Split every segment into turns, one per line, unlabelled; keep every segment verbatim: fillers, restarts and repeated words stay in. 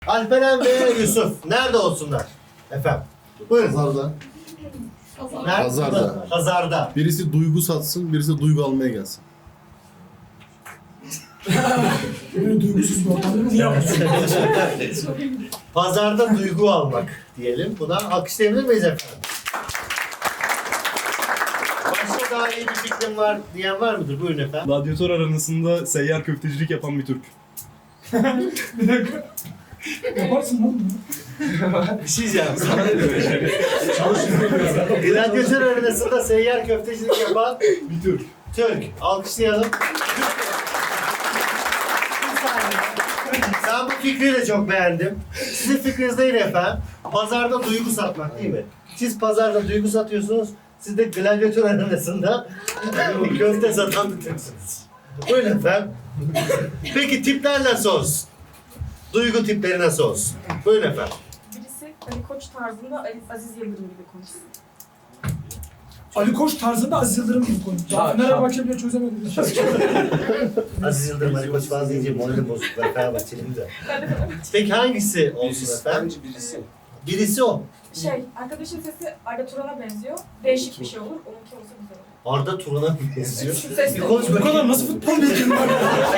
Alperen ve Yusuf nerede olsunlar? Efendim. Buyurun.
Pazarda.
Nerede?
Pazarda.
Pazarda.
Birisi duygu satsın, birisi duygu almaya gelsin.
Böyle duygusuz bir ortamda mı yapıyorsun?
Pazarda duygu almak diyelim. Buna alkışlayabilir miyiz efendim? Başka daha iyi bir fikrim var diyen var mıdır? Buyurun efendim.
Radyatör aranasında seyyar köftecilik yapan bir Türk.
Bir dakika. Yaparsın lan bunu.
Bir şey diyeceğim. Sana ne diyor? Gladyatör arenasında seyyar köftecilik yapan
Bir Türk.
Türk. Alkışlayalım. Ben bu fikri de çok beğendim. Sizin fikriniz değil efendim. Pazarda duygu satmak değil mi? Siz pazarda duygu satıyorsunuz. Siz de gladyatör arenasında köfte satan bir Türksünüz. Buyurun efendim. Peki tipler nasıl olsun? Duygu tipleri nasıl olsun? Buyurun efendim.
Birisi Ali Koç tarzında Ali, Aziz Yıldırım gibi konuşsun.
Ali Koç tarzında Aziz Yıldırım gibi konuşuyor. Daha Fenerbahçe bile çözemedi.
Aziz Yıldırım Ali Koç bazı deyince morali bozuk. Ben Fenerbahçeliyim de. Peki hangisi olsun efendim?
birisi.
Birisi o.
Şey, arkadaşın sesi Arda Turan'a benziyor. Değişik bir şey olur. Onunki olsa güzel olur.
Arda Turan'a mı benziyor?
Ses
Bir konuş
Bu kadar
bakayım.
nasıl futbol bilgin var?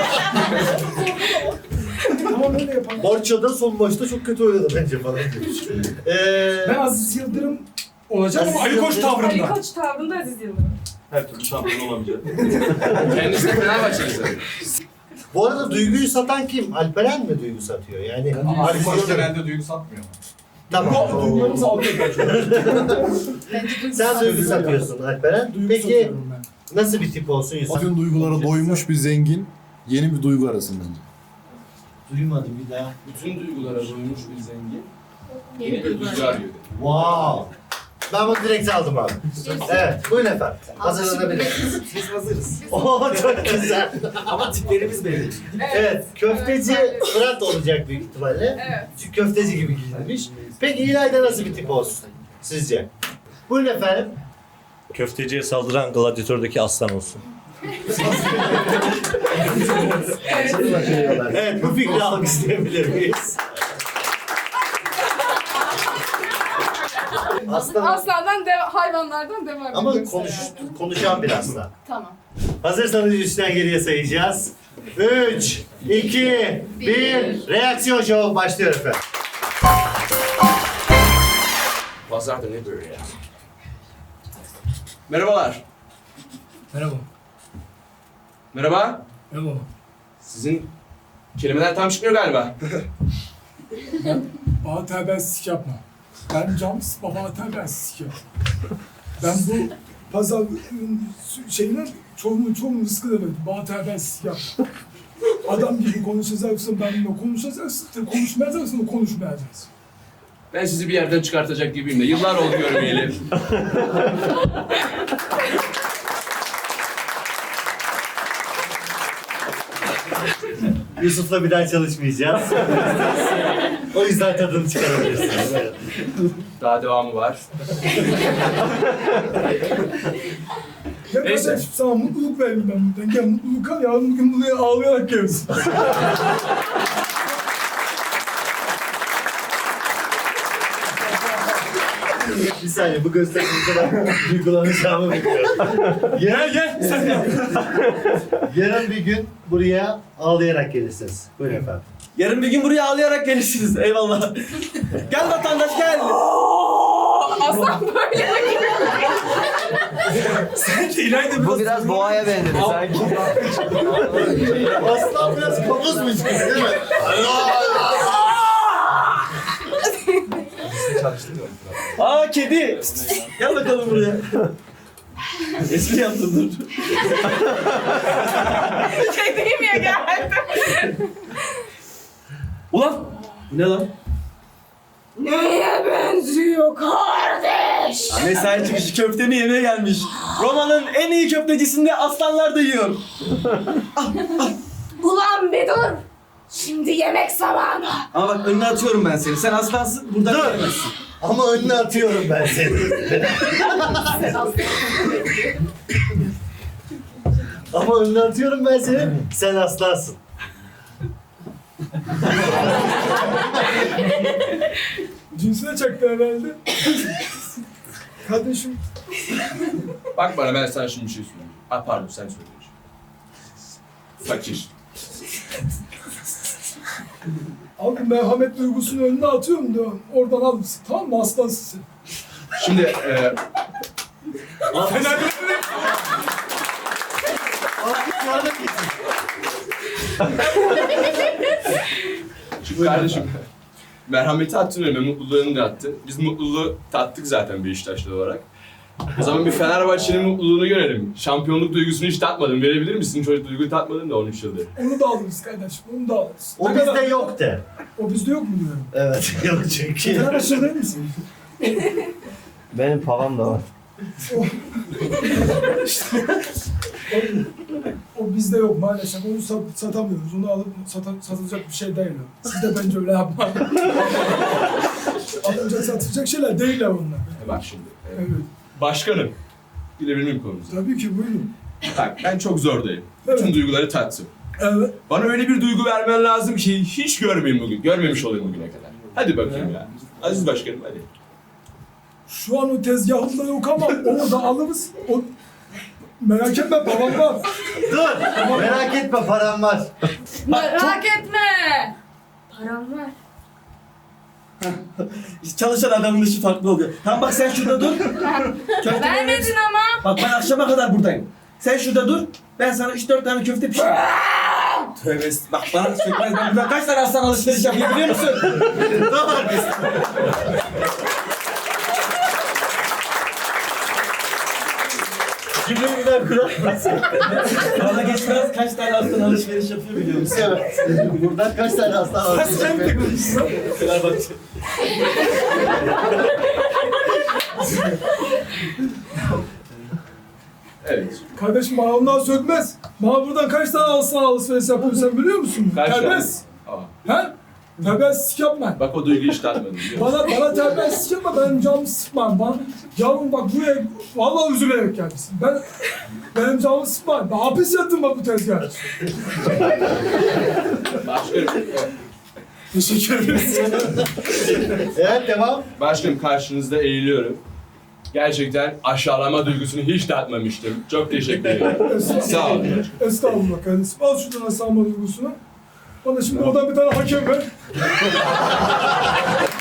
Tamam öyle yapalım.
Barça'da son maçta çok kötü oynadı bence falan demiş. Ee,
Ben Aziz Yıldırım olacağım ama
Aziz
Ali Koç
Yıldırım-
Ali
tavrında.
Koç tavrında Aziz Yıldırım.
Her türlü şampiyon olamayacak.
Kendisi de Fenerbahçeli zaten.
bu arada duyguyu satan kim? Alperen mi duygu satıyor? Yani
Ama
Aziz
Koç
Yıldırım.
genelde duygu satmıyor.
Tamam.
Duygularımızı alıyor
Sen duygu satıyorsun Alperen.
Duygu
Peki
satıyorum ben.
nasıl bir tip olsun Yusuf?
Bütün duygulara doymuş bir zengin, yeni bir duygu arasın bence.
Duymadım bir daha.
Bütün duygulara doymuş bir zengin. Yeni bir duygu arıyor.
Wow. Ben bunu direkt aldım abi. Evet, buyurun efendim. Hazırlanabilirsiniz.
Biz hazırız.
Oo çok güzel.
Ama tiplerimiz belli.
Evet, köfteci Fırat olacak büyük ihtimalle.
Evet.
Çünkü köfteci gibi giyinmiş. Peki İlayda nasıl bir tip olsun sizce? Buyurun efendim.
Köfteciye saldıran gladyatördeki aslan olsun.
Evet, bu fikri alkışlayabilir miyiz? Aslan
Aslandan, de, hayvanlardan devam
ama
ediyoruz
konuş,
herhalde.
konuşan bir aslan.
Tamam.
Hazırsanız üçten geriye sayacağız. Üç, iki, bir. Reaksiyon show başlıyor efendim.
Pazarda ne böyle ya? Merhabalar.
Merhaba.
Merhaba.
Merhaba.
Sizin kelimeler tam çıkmıyor galiba.
Bana terbiyesizlik yapma. Ben cam sıkma, bana terbiyesizlik yapma. Ben bu pazar şeyine çoğunun çoğunun rızkı demedim. Bana terbiyesizlik yapma. Adam gibi konuşacaksın, benimle konuşacaksın. Konuşmayacaksın, konuşmayacaksın.
Ben sizi bir yerden çıkartacak gibiyim de. Yıllar oldu görmeyeli.
Yusuf'la bir daha çalışmayacağız. O yüzden tadını çıkarabilirsiniz. Evet.
Daha devamı var.
Ya
Neyse.
kardeşim sana mutluluk verdim ben buradan. Gel mutluluk al, yarın bugün buraya ağlayarak gelirsin.
Bir saniye bu gösteri bu kadar duygulanacağımı bekliyorum.
Gel gel, sen yap.
Yarın bir gün buraya ağlayarak gelirsiniz. Buyurun efendim.
Yarın bir gün buraya ağlayarak gelirsiniz. Eyvallah. Gel vatandaş gel.
Aslan böyle.
Sen de İlayda
Bu biraz boğaya benzedi sanki.
Aslan biraz kabuzmayacak değil mi?
Aa kedi. Gel bakalım buraya. Espri yaptın dur.
Kediyim ya geldi.
Ulan. Bu ne lan?
Neye benziyor kardeş?
Mesai çıkışı köftemi yemeye gelmiş. Roma'nın en iyi köftecisinde aslanlar da yiyor.
Ulan bir dur. Şimdi yemek zamanı.
Ama bak önüne atıyorum ben seni. Sen aslansın buradan
Dur.
gelemezsin.
Ama önüne atıyorum ben seni. Ama önüne atıyorum ben seni. Sen aslansın.
Cinsine çaktı herhalde. Kardeşim
Bak bana, ben sana şimdi bir şey söyleyeyim. Ah pardon, sen söyle. Fakir.
abi merhamet duygusunu önüne atıyorum diyor. Oradan al mısın? Tamam mı aslansın sen?
Şimdi e,
Fenerlerin
şimdi kardeşim, merhameti attın önüme, mutluluğunu da attın. Biz mutluluğu tattık zaten Beşiktaşlı olarak. O zaman bir Fenerbahçe'nin mutluluğunu görelim. Şampiyonluk duygusunu hiç tatmadın. Verebilir misin? Çocuk duyguyu tatmadın da on üç yıldır.
onu da alırız kardeşim. Onu da alırız.
O
Ne kadar-
bizde yok de.
O bizde yok mu diyorum.
Evet yok çünkü.
Fenerbahçe değil misin?
Benim pavam da var.
O bizde yok maalesef. Onu sat, satamıyoruz. Onu alıp sata, satılacak bir şey değil o. Siz de bence öyle yapmayın. Alınacak satılacak şeyler değil onlar.
E bak şimdi. e,
Evet.
Başkanım. Bilebilir miyim konumuzu?
Tabii ki buyurun.
Bak ben çok zordayım. Bütün
Evet.
duyguları tattım.
Evet.
Bana öyle bir duygu vermen lazım ki hiç görmeyeyim bugün. Görmemiş olayım bugüne kadar. Hadi bakayım ya. Aziz Başkanım hadi.
Şu an o tezgahımda yok ama orada alırız. O... Merak etme babam var.
Dur merak etme param var.
Merak etme. Param var.
Çalışan adamın işi farklı oluyor. Tamam bak sen şurada dur. Köfte
Vermedin ama.
Bak ben akşama kadar buradayım. Sen şurada dur. Ben sana üç dört tane köfte pişireyim. Tövbe est- bak bana sökmez. Ben burada kaç tane aslan alışveriş yapayım biliyor musun?
Cümleyi kuratmasın.
Bana geçmez kaç tane aslan alışveriş yapıyor biliyor musun?
Evet. Buradan kaç tane aslan var?
Sen de konuşsun. Fenerbahçe.
Evet.
Kardeşim bana ondan sökmez. Bana buradan kaç tane aslan alışveriş yapıyor sen biliyor musun?
Kaç tane?
Terbiyesiz.
Aa,
He? Terbiyesizlik yapma.
bak o duyguyu hiç tatmadım biliyor musun?
Bana, bana terbiyesizlik yapma, benim canımı sıkma. Bana, canım bak buraya vallahi üzülerek gelmişsin. Ben, benim canımı sıkma. Ben hapis yattım bak bu tezgah.
Başkanım,
Teşekkür ederiz.
Evet devam.
başkanım karşınızda eğiliyorum. Gerçekten aşağılama duygusunu hiç tatmamıştım. Çok teşekkür ederim. Sağ olun.
Estağfurullah kardeşim. Al şuradan aslanma duygusunu. Bana şimdi oradan bir tane hakem ver.